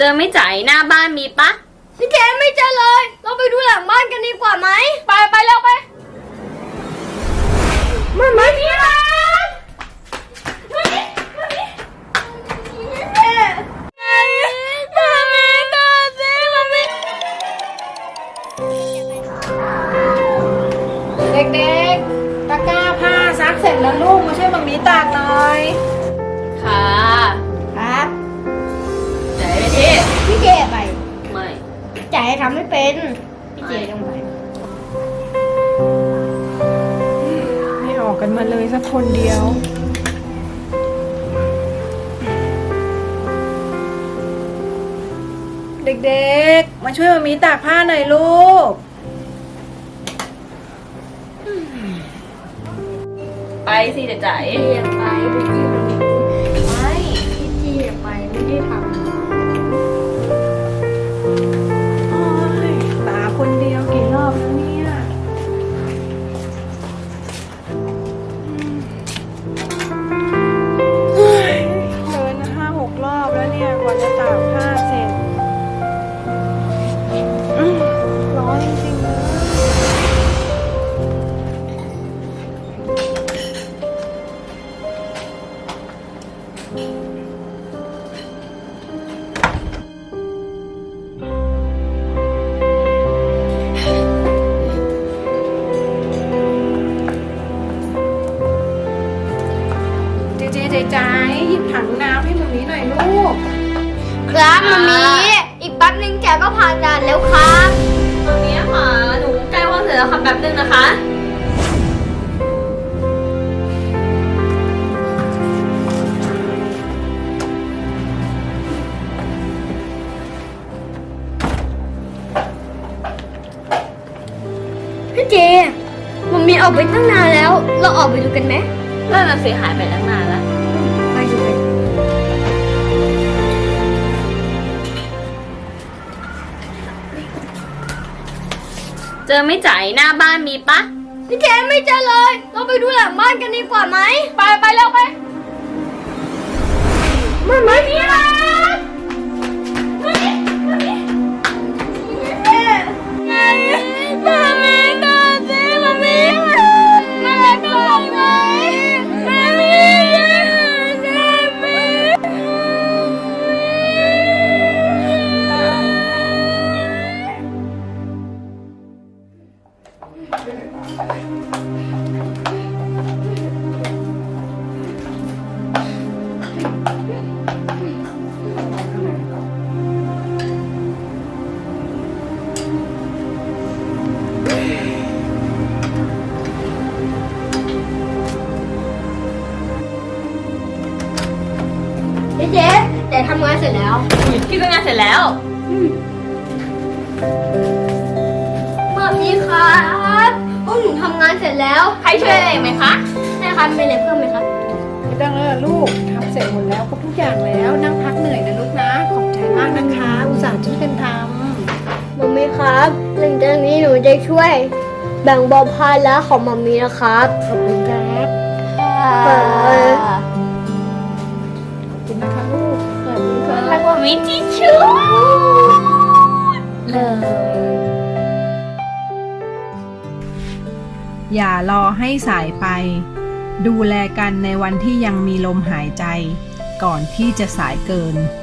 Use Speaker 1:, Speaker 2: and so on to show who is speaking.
Speaker 1: เจอไม่จ่ายหน้าบ้านมีปะ
Speaker 2: พี่เจไม่เจอเลยเราไปดูหลังบ้านกันดีกว่าไหมไปเร็วไปไม่มีอะไร
Speaker 3: เด็กๆตะกร้าผ้าซักเสร็จแล้วลูกมาช่วยมัมมี่ตากหน่อย
Speaker 1: ค่ะ
Speaker 2: ครับ
Speaker 1: จ่ายไปที่
Speaker 2: พี่เจไป
Speaker 1: ไม่
Speaker 2: จ่ายทำไม่เป็นพี่เจต้องไป
Speaker 3: ไม่ออกกันมาเลยสักคนเดียว เด็กๆมาช่วยมัมมี่ตากผ้าหน่อยลูก
Speaker 1: ไปสิเดี๋ยวจ่าย
Speaker 2: พี่เจไปพี่เจไม่พี่เจไปไม่ได้ทำ
Speaker 3: โอ้ยตาคนเดียวกี่รอบแล้วเนี่ยเฮ้ยเดิน5-6 รอบแล้วเนี่ยกว่าจะตากผ้าเสร็จร้อนจริงๆเลยใจหยิบถังน้ำให้มัมมี่หน่อยลูก
Speaker 2: ครับมามีอีกแป๊บนึงแกก็ผ่านด่านแล้วครับ
Speaker 1: ตอนนี้ค่ะหนูใกล้ว่างเสร็จแล้วค่ะแป๊บนึงนะคะ
Speaker 2: พี่เจมันมีออกไปตั้งนานแล้ว เราออกไปดูกันไหม
Speaker 1: นั่นน่ะสิหายไปตั้งนานแล้ว
Speaker 2: ไปดูกัน
Speaker 1: เจอไม่จ่ายหน้าบ้านมีปะ
Speaker 2: พี่เจไม่เจอเลย เราไปดูหลังบ้านกันดีกว่าไหมไปเร็วไปไม่มีอะไรพี่เจแต่ทำงานเสร็จแล้ว
Speaker 1: พี่ก็งานเสร็จแล้ว
Speaker 2: มามีครับพวกหนูทำงานเสร็จแล้ว
Speaker 1: ใครช่วยอะไรไหมคะ
Speaker 2: ใช่ครับมีอะไรเพิ่มไหมครับ
Speaker 3: ไม่ต้องแล้วล่ะลูกทำเสร็จหมดแล้วครบทุกอย่างแล้วนั่งพักเหนื่อยนะลูกนะขอบใจมากนะคะ อุตส่าห์ช่วยกันท
Speaker 2: มัมมี่ครับหลังจากนี้หนูจะช่วย แบ่งเบาภาระของมัมมี่นะครับ
Speaker 3: ำขอบคุณครับ
Speaker 2: เอ่อ
Speaker 3: ขอบคุณนะคะลูก
Speaker 1: รักว่ามิจิชูเลย
Speaker 3: อย่ารอให้สายไป ดูแลกันในวันที่ยังมีลมหายใจ ก่อนที่จะสายเกิน